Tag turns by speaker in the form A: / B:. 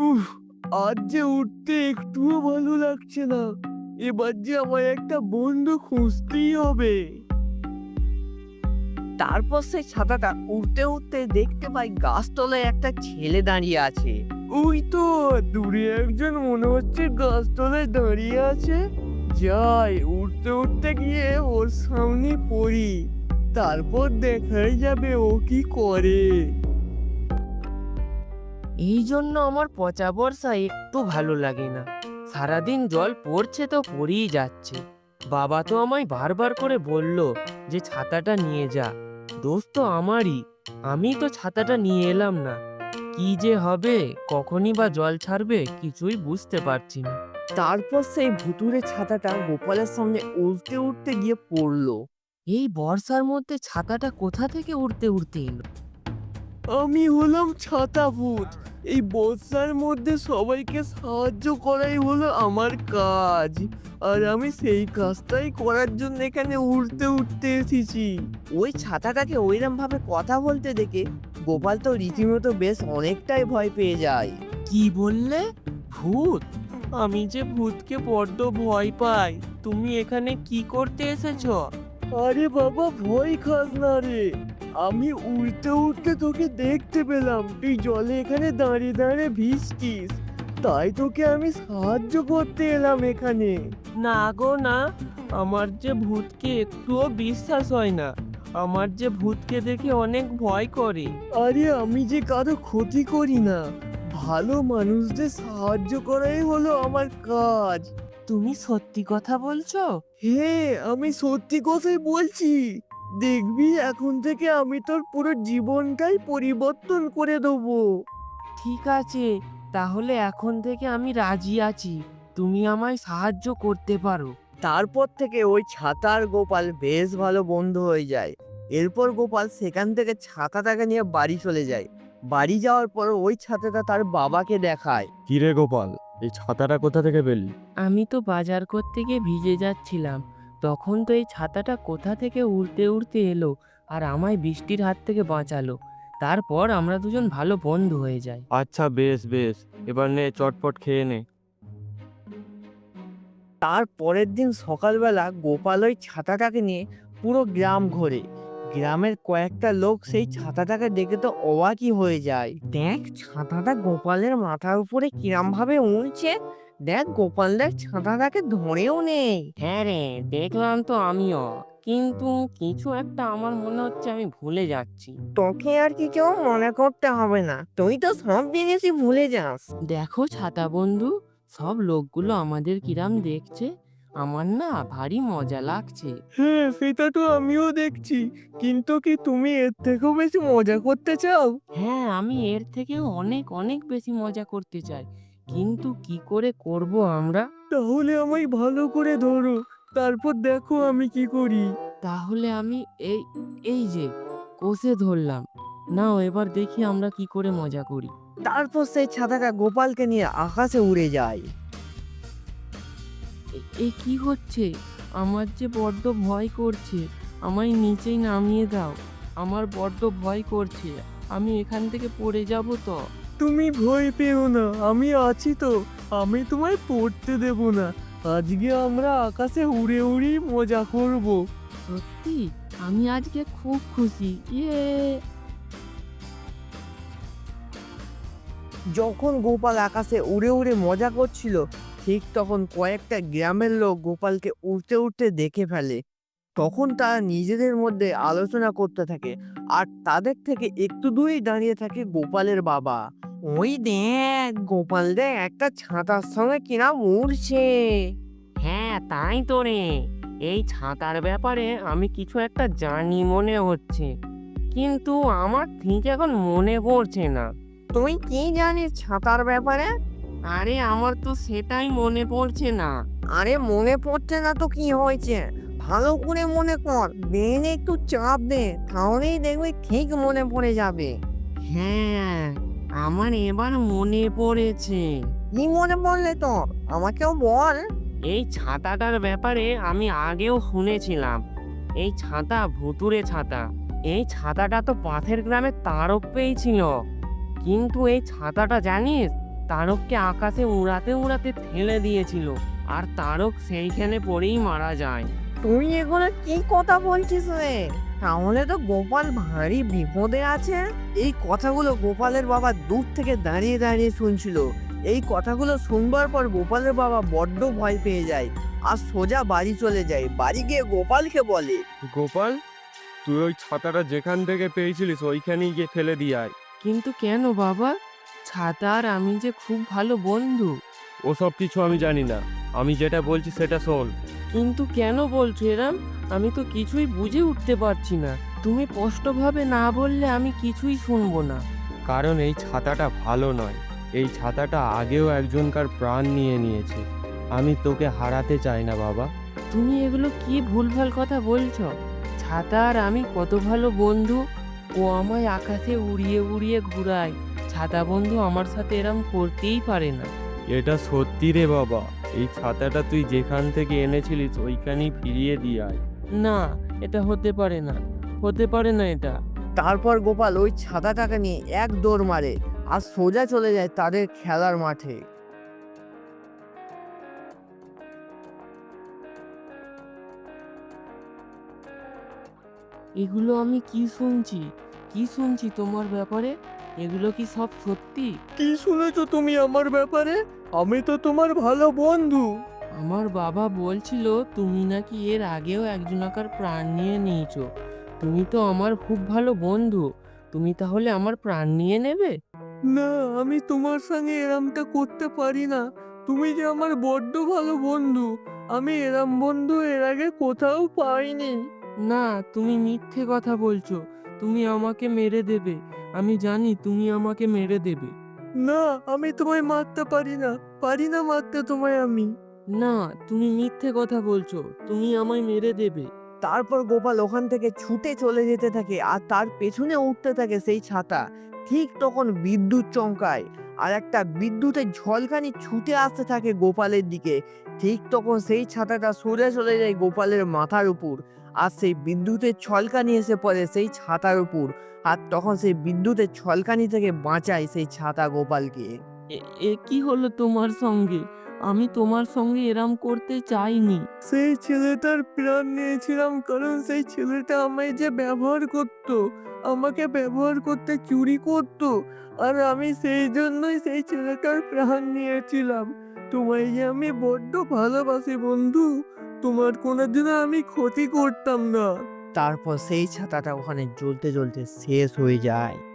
A: উফ! আজ যে উঠতে একটুও ভালো লাগছে না। এবার যে আমার একটা বন্ধু খুঁজতেই হবে।
B: তারপর সেই ছাতাটা উড়তে উড়তে দেখতে পাই গাছতলায় একটা ছেলে দাঁড়িয়ে আছে।
A: ওই তো দূরে একজন মনে হচ্ছে গাছতলায় দাঁড়িয়ে আছে। যাই উঠতে উঠতে গিয়ে ওর সামনে পড়ি, তারপর দেখাই যাবে ও কি করে।
B: এই জন্য আমার পচা বর্ষা একটু ভালো লাগে না। সারাদিন জল পড়ছে তো পড়েই যাচ্ছে। বাবা তো আমায় বারবার করে বলল যে ছাতাটা নিয়ে যা। দোষ তো আমারই, আমি তো ছাতাটা নিয়ে এলাম না। কি যে হবে, কখনই বা জল ছাড়বে, কিছুই বুঝতে পারছি না।
A: তারপর সেই ভুতুড়ে ছাতাটা গোপালের সামনে উঠতে উঠতে গিয়ে পড়লো।
B: এই বর্ষার মধ্যে ছাতাটা কোথা থেকে উড়তে উড়তে এলো?
A: আমি হলাম ছাতা ভূত। এই বর্ষার মধ্যে সবাইকে সাহায্য করাই হলো আমার কাজ। আর আমি সেই কাজটাই করার জন্য এখানে উড়তে উঠতে এসেছি।
B: ওই ছাতাটাকে ওইরকম ভাবে কথা বলতে দেখে গোপাল তো রীতিমতো বেশ অনেকটাই ভয় পেয়ে যায়। কি বললে? ভূত? আমি যে ভূতকে বড্ড ভয় পাই। তুমি এখানে কি করতে এসেছো?
A: আরে বাবা ভয় খাস না রে। আমি উড়তে উড়তে তোকে দেখতে পেলাম তুই জলে এখানে দাঁড়িয়ে দাঁড়িয়ে ভিজছিস। তাই তোকে আমি সাহায্য করতে এলাম এখানে।
B: না গো না, আমার যে ভূতকে একটুও বিশ্বাস হয় না। আমার যে ভূতকে দেখে অনেক ভয় করে।
A: আরে আমি যে কারো ক্ষতি করি না, ভালো মানুষদের সাহায্য করাই হলো আমার কাজ।
B: তুমি সত্যি কথা বলছো?
A: হ্যাঁ আমি সত্যি কথাই বলছি। দেখবি এখন থেকে আমি তোর পুরো জীবনটাই পরিবর্তন করে দেবো।
B: ঠিক আছে, তাহলে এখন থেকে আমি রাজি আছি। তুমি আমায় সাহায্য করতে পারো।
A: তারপর থেকে ওই ছাতা আর গোপাল বেশ ভালো বন্ধু হয়ে যায়। এরপর গোপাল সেখান থেকে ছাতাটাকে নিয়ে বাড়ি চলে যায়। বাড়ি যাওয়ার পর ওই ছাতাটা তার বাবাকে দেখায়।
C: কিরে গোপাল, এই ছাতাটা কোথা থেকে পেলি?
B: আমি তো বাজার করতে গিয়ে ভিজে যাচ্ছিলাম। তখন তো এই ছাতাটা কোথা থেকে উড়তে উড়তে এলো আর আমায় বৃষ্টির হাত থেকে বাঁচালো। তারপর আমরা দুজন ভালো বন্ধু হয়ে যাই।
C: আচ্ছা বেশ বেশ, এবার নে চটপট খেয়ে নে।
A: তার পরের দিন সকালবেলা গোপাল ওই ছাতাটাকে নিয়ে পুরো গ্রাম ঘোরে। গ্রামের কয়েকটা লোক সেই ছাতাটাকে দেখে তো অবাকই হয়ে যায়। দেখ ছাতাটা গোপালের মাথার উপরে কিরম ভাবে উড়ছে। দেখ গোপালদের ছাতাটাকে ধরেও নেই।
B: হ্যাঁ রে, দেখলাম তো আমিও, কিন্তু কিছু একটা আমার মনে হচ্ছে আমি ভুলে যাচ্ছি।
A: তোকে আর কিছু মনে করতে হবে না, তুই তো সব জিনিসই ভুলে যাস।
B: দেখো ছাতা বন্ধু, সব লোকগুলো আমাদের কিরাম দেখছে। আমার না ভারী মজা লাগছে।
A: হ্যাঁ সেটা তো আমিও দেখছি, কিন্তু কি তুমি এর থেকেও বেশি মজা করতে চাও?
B: হ্যাঁ, আমি এর থেকেও অনেক অনেক বেশি মজা করতে চাই, কিন্তু কি করে করব আমরা?
A: তাহলে আমায় ভালো করে ধরো, তারপর দেখো আমি কি করি।
B: তাহলে আমি এই এই যে কষে ধরলাম। নাও এবার দেখি আমরা কি করে মজা করি।
A: তারপর সেই ছাতাটা গোপালকে নিয়ে আকাশে উড়ে যায়।
B: এ কি হচ্ছে? আমার যে বড্ড ভয় করছে। আমায় নিচেই নামিয়ে দাও। আমার বড্ড ভয় করছে। আমি এখান থেকে পড়ে যাব তো।
A: তুমি ভয় পেও না, আমি আছি তো। আমি তোমায় পড়তে দেব না। আজকে আমরা আকাশে উড়ে উড়ি মজা করব।
B: সত্যি? আমি আজকে খুব খুশি। ইয়ে!
A: যখন গোপাল আকাশে উড়ে উড়ে মজা করছিল, ঠিক তখন কয়েকটা গ্রামের লোক গোপালকে উড়তে উড়তে দেখে ফেলে। তখন তারা নিজেদের মধ্যে আলোচনা করতে থাকে, আর তাদের থেকে একটু দূরেই দাঁড়িয়ে থাকে গোপালের বাবা। ওই দেখ গোপাল দেখ একটা ছাতার সঙ্গে কিরম উড়ছে।
B: হ্যাঁ, তাই তো রে। এই ছাতার ব্যাপারে আমি কিছু একটা জানি মনে হচ্ছে। কিন্তু আমার ঠিক এখন মনে পড়ছে না।
A: তুই কি জানিস ছাতার ব্যাপারে?
B: আরে আমার তো সেটাই মনে পড়ছে না।
A: আরে মনে পড়ছে না তো কি হয়েছে, ভালো করে মনে কর, ব্রেনে একটু চাপ দে, তাহলেই দেখবি ঠিক মনে পড়ে যাবে।
B: হ্যাঁ, আমার এবার মনে পড়েছে।
A: কি মনে পড়লে তোর, আমাকেও বল।
B: এই ছাতাটার ব্যাপারে আমি আগেও শুনেছিলাম। এই ছাতা ভুতুড়ে ছাতা। এই ছাতাটা তো পাশের গ্রামে তারও পেয়েছিল। কিন্তু এই ছাতাটা জানিস, তারককে আকাশে উড়াতে উড়াতে ফেলে দিয়েছিল, আর তারক সেইখানে পড়েই মারা যায়।
A: তুই এগুলো কি কথা বলছিস রে? তাহলে তো গোপাল ভারী বিপদে আছে। এই কথাগুলো গোপালের বাবা দূর থেকে দাঁড়িয়ে দাঁড়িয়ে শুনছিল। এই কথাগুলো শুনবার পর গোপালের বাবা বড্ড ভয় পেয়ে যায় আর সোজা বাড়ি চলে যায়। বাড়ি গিয়ে গোপালকে বলে,
C: গোপাল, তুই ওই ছাতাটা যেখান থেকে পেয়েছিলিস ওইখানেই গিয়ে ফেলে দিয়ে আয়।
B: কিন্তু কেন বাবা? ছাতা আর আমি যে খুব ভালো বন্ধু।
C: ওসব কিছু আমি জানি না, আমি যেটা বলছি সেটা শোন।
B: কিন্তু কেন বলছো এরম? আমি তো কিছুই বুঝে উঠতে পারছি না। তুমি স্পষ্টভাবে না বললে আমি কিছুই শুনবো না।
C: কারণ এই ছাতাটা ভালো নয়। এই ছাতাটা আগেও একজনকার প্রাণ নিয়ে নিয়েছে। আমি তোকে হারাতে চাই না বাবা।
B: তুমি এগুলো কি ভুলভাল কথা বলছো? ছাতা আর আমি কত ভালো বন্ধু। ও আমায় আকাশে উড়িয়ে উড়িয়ে ঘুরায়। ছাতা বন্ধু আমার সাথে এরম করতেই পারে না।
C: এটা সত্যি রে বাবা। এই ছাতাটা তুই যেখান থেকে এনেছিলিস ওইখানেই ফিরিয়ে দিয়ে আয়।
B: না, এটা হতে পারে না। হতে পারে না এটা।
A: তারপর গোপাল ওই ছাতাটাকে নিয়ে এক দৌড় মারে আর সোজা চলে যায় তাদের খেলার মাঠে।
B: এগুলো আমি কি শুনছি? কি শুনছি তোমার ব্যাপারে? এগুলো কি সব সত্যি?
A: কি শুনেছো তুমি আমার ব্যাপারে? আমি তো তোমার ভালো বন্ধু।
B: আমার বাবা বলছিল তুমি নাকি এর আগেও একজনাকার প্রাণ নিয়ে নিয়েছো। তুমি তো আমার খুব ভালো বন্ধু। তুমি তাহলে আমার প্রাণ নিয়ে নেবে?
A: না, আমি তোমার সঙ্গে এরমটা করতে পারি না। তুমি যে আমার বড্ড ভালো বন্ধু, আমি এরম বন্ধু এর আগে কোথাও পাইনি।
B: না, তুমি মিথ্যে কথা বলছো। তুমি আমাকে মেরে দেবে। আমি জানি তুমি আমাকে মেরে দেবে।
A: না, আমি তোমায় মারতে পারি না মারতে তোমায় আমি।
B: না, তুমি মিথ্যে কথা বলছো। তুমি আমায় মেরে দেবে।
A: তারপর গোপাল ওখান থেকে ছুটে চলে যেতে থাকে আর তার পেছনে উঠতে থাকে সেই ছাতা। ঠিক তখন বিদ্যুৎ চমকায় আর একটা বিদ্যুতের ঝলকানি ছুটে আসতে থাকে গোপালের দিকে। ঠিক তখন সেই ছাতাটা সরে চলে যায় গোপালের মাথার উপর আর সেই বিদ্যুতের ছলকানি এসে পড়ে সেই ছাতার উপর। আর তখন সেই বিদ্যুতের ছলকানি থেকে বাঁচায় সেই ছাতা গোপালকে।
B: এ কি হলো তোমার সঙ্গে? আমি তোমার সঙ্গে এরম করতে চাইনি।
A: সেই ছেলেটার প্রাণ নিয়েছিলাম কারণ সেই ছেলেটা আমায় যে ব্যবহার করত, আমাকে ব্যবহার করতে চুরি করত, আর আমি সেই জন্যই সেই ছেলেটার প্রাণ নিয়েছিলাম। তোমায় যে আমি বড্ড ভালোবাসি বন্ধু, তোমার কোনোদিনও আমি ক্ষতি করতাম না। তারপর সেই ছাতাটা ওখানে জ্বলতে জ্বলতে শেষ হয়ে যায়।